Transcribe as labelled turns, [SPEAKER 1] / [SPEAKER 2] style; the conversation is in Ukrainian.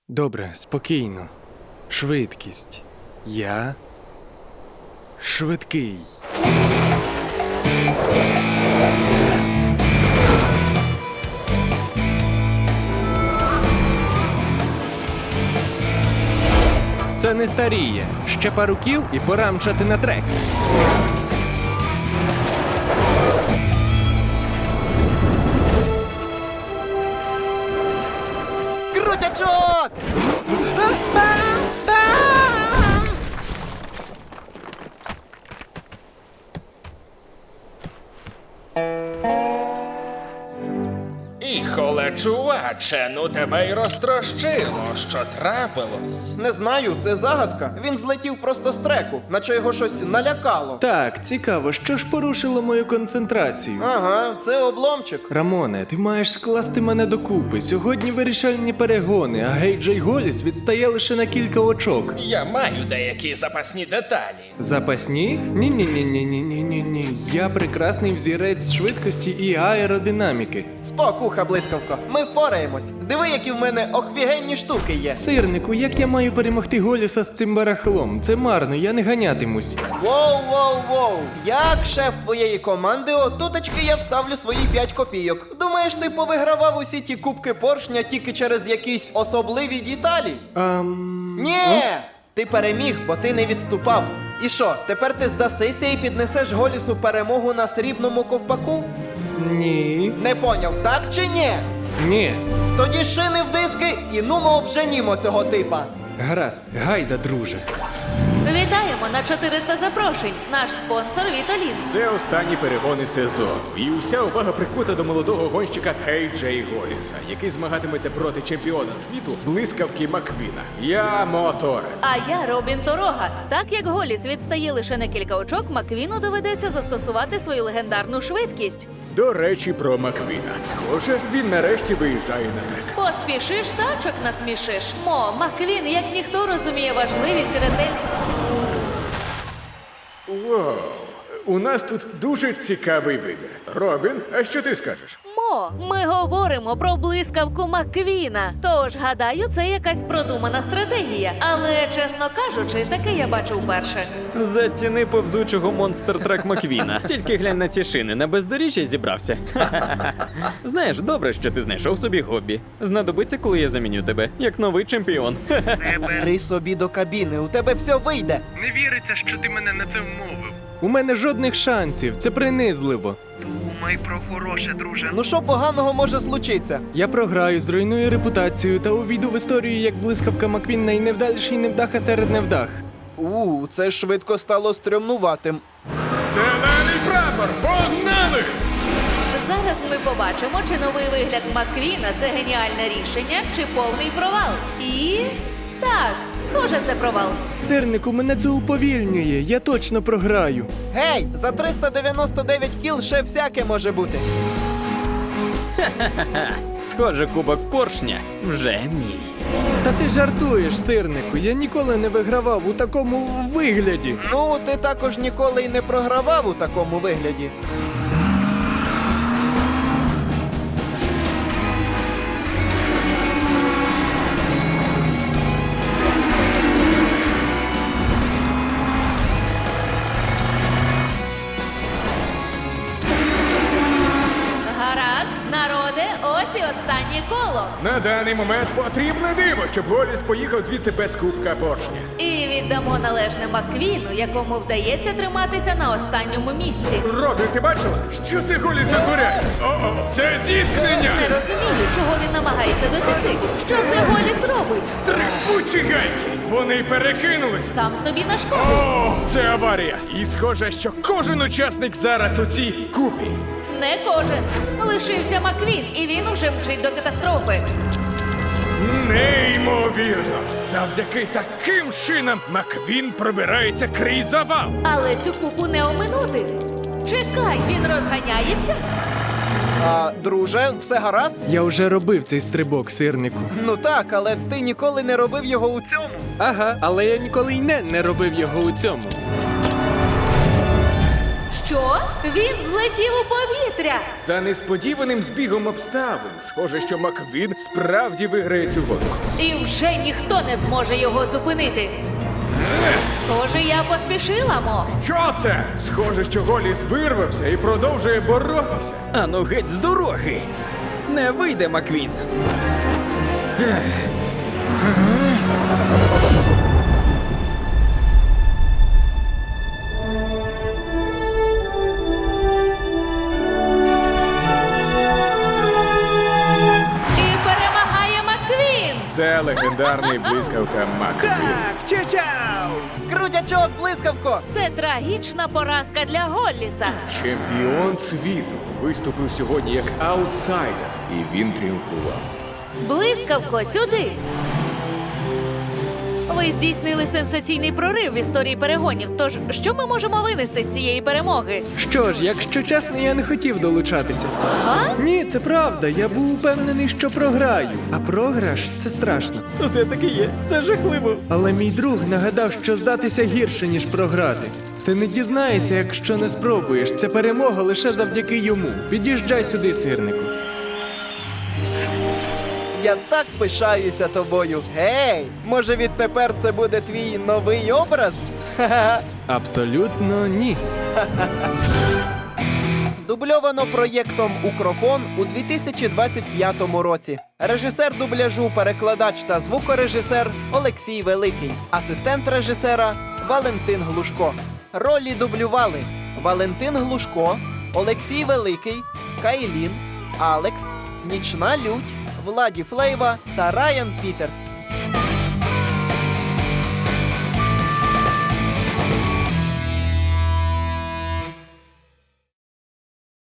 [SPEAKER 1] Добре, спокійно. Швидкість. Я швидкий. Це не старіє. Ще пару кіл і пора мчати на трек.
[SPEAKER 2] Крутячок!
[SPEAKER 3] Іхоле, чуваче, ну тебе й розтрощило, що трапилось.
[SPEAKER 2] Не знаю, це загадка. Він злетів просто з треку, наче його щось налякало.
[SPEAKER 1] Так, цікаво, що ж порушило мою концентрацію?
[SPEAKER 2] Ага, це обломчик.
[SPEAKER 1] Рамоне, ти маєш скласти мене докупи. Сьогодні вирішальні перегони, а Гейджей Голіс відстає лише на кілька очок.
[SPEAKER 3] Я маю деякі запасні деталі.
[SPEAKER 1] Запасні? Ні-ні-ні-ні-ні-ні-ні. Я прекрасний взірець швидкості і аеродинаміки.
[SPEAKER 2] Спокуха, блискавко, ми впораємось. Диви, які в мене охвігенні штуки є.
[SPEAKER 1] Сирнику, як я маю перемогти Голіса з цим барахлом? Це марно, я не ганятимусь.
[SPEAKER 2] Воу-воу-воу. Як шеф твоєї команди, отуточки я вставлю свої 5 копійок. Думаєш, ти повигравав усі ті кубки поршня тільки через якісь особливі деталі? Ні! Ти переміг, бо ти не відступав. І що, тепер ти здасися і піднесеш Голісу перемогу на срібному ковпаку?
[SPEAKER 1] Ні.
[SPEAKER 2] Не поняв, так чи ні?
[SPEAKER 1] Ні.
[SPEAKER 2] Тоді шини в диски і нумо обженімо цього типа.
[SPEAKER 1] Гаразд, гайда, друже.
[SPEAKER 4] Вітаємо на 400 запрошень. Наш спонсор Віталін.
[SPEAKER 5] Це останні перегони сезону. І уся увага прикута до молодого гонщика Гейджей Голіса, який змагатиметься проти чемпіона світу блискавки Маквіна. Я Моторе.
[SPEAKER 4] А я Робін Торога. Так як Голіс відстає лише на кілька очок, Маквіну доведеться застосувати свою легендарну швидкість.
[SPEAKER 5] До речі, про Маквіна. Схоже, він нарешті виїжджає на трек.
[SPEAKER 4] Поспішиш, тачок насмішиш. Маквін, як ніхто, розуміє важливість ретель.
[SPEAKER 5] Вау! У нас тут дуже цікавий вибір. Робін, а що ти скажеш?
[SPEAKER 4] Ми говоримо про блискавку Маквіна. Тож, гадаю, це якась продумана стратегія. Але, чесно кажучи, таке я бачу вперше.
[SPEAKER 6] Заціни повзучого монстр-трак Маквіна. Тільки глянь на ці шини, на бездоріжжя зібрався. Знаєш, добре, що ти знайшов собі хобі. Знадобиться, коли я заміню тебе, як новий чемпіон.
[SPEAKER 2] Бери собі до кабіни, у тебе все вийде.
[SPEAKER 1] Не віриться, що ти мене на це вмовив. У мене жодних шансів, це принизливо.
[SPEAKER 2] Думай про хороше, друже. Ну що поганого може случитися?
[SPEAKER 1] Я програю, зруйную репутацію та увійду в історію як блискавка Маквін найневдаліший невдаха серед невдах.
[SPEAKER 2] Це швидко стало стрьомнуватим.
[SPEAKER 5] Зелений прапор! Погнали!
[SPEAKER 4] Зараз ми побачимо, чи новий вигляд Маквіна – це геніальне рішення, чи повний провал. І... так, схоже, це провал.
[SPEAKER 1] Сирнику, мене це уповільнює, я точно програю.
[SPEAKER 2] Гей, за 399 кіл ще всяке може бути.
[SPEAKER 6] Схоже, кубок поршня вже мій.
[SPEAKER 1] Та ти жартуєш, сирнику, я ніколи не вигравав у такому вигляді.
[SPEAKER 2] Ну, ти також ніколи й не програвав у такому вигляді.
[SPEAKER 4] Гаразд, народе, ось і останнє коло.
[SPEAKER 5] На даний момент потрібне диво, щоб Голіс поїхав звідси без кубка поршня.
[SPEAKER 4] І віддамо належне Маквіну, якому вдається триматися на останньому місці.
[SPEAKER 5] Робін, ти бачила? Що це Голіс затворяє? О-о, це зіткнення!
[SPEAKER 4] Не розумію, чого він намагається досягти. Що це Голіс робить?
[SPEAKER 5] Трикучі гайки! Вони перекинулись!
[SPEAKER 4] Сам собі на шкоду.
[SPEAKER 5] О, це аварія! І схоже, що кожен учасник зараз у цій купі.
[SPEAKER 4] Не кожен. Лишився Маквін, і він уже вчить до катастрофи.
[SPEAKER 5] Неймовірно! Завдяки таким шинам Маквін пробирається крізь завал.
[SPEAKER 4] Але цю купу не оминути. Чекай, він розганяється?
[SPEAKER 2] Друже, все гаразд?
[SPEAKER 1] Я вже робив цей стрибок, сирнику.
[SPEAKER 2] Ну так, але ти ніколи не робив його у цьому.
[SPEAKER 1] Ага, але я ніколи й не робив його у цьому.
[SPEAKER 4] Що? Він злетів у повітря!
[SPEAKER 5] За несподіваним збігом обставин, схоже, що Маквін справді виграє цю гонку.
[SPEAKER 4] І вже ніхто не зможе його зупинити. Схоже, я поспішила, Мо.
[SPEAKER 5] Що це? Схоже, що Голіс вирвався і продовжує боротися.
[SPEAKER 6] Ану геть з дороги! Не вийде, Маквін!
[SPEAKER 4] І перемагає Маквін!
[SPEAKER 5] Це легендарний блискавка Маквін.
[SPEAKER 2] Крутячок, блискавко!
[SPEAKER 4] Це трагічна поразка для Голліса.
[SPEAKER 5] Чемпіон світу виступив сьогодні як аутсайдер, і він тріумфував.
[SPEAKER 4] Блискавко, сюди! Ви здійснили сенсаційний прорив в історії перегонів. Тож, що ми можемо винести з цієї перемоги?
[SPEAKER 1] Що ж, якщо чесно, я не хотів долучатися.
[SPEAKER 4] Ага?
[SPEAKER 1] Ні, це правда. Я був упевнений, що програю. А програш це страшно.
[SPEAKER 6] Усе таки є, це жахливо.
[SPEAKER 1] Але мій друг нагадав, що здатися гірше, ніж програти. Ти не дізнаєшся, якщо не спробуєш. Це перемога лише завдяки йому. Під'їжджай сюди, сирнику.
[SPEAKER 2] Я так пишаюся тобою. Гей, може відтепер це буде твій новий образ? Ха-ха.
[SPEAKER 1] Абсолютно ні.
[SPEAKER 2] Дубльовано проєктом Укрофон у 2025 році. Режисер дубляжу, перекладач та звукорежисер Олексій Великий. Асистент режисера Валентин Глушко. Ролі дублювали Валентин Глушко, Олексій Великий, Кайлін, Алекс, Нічна Лють, Владі Флейва та Райан Пітерс.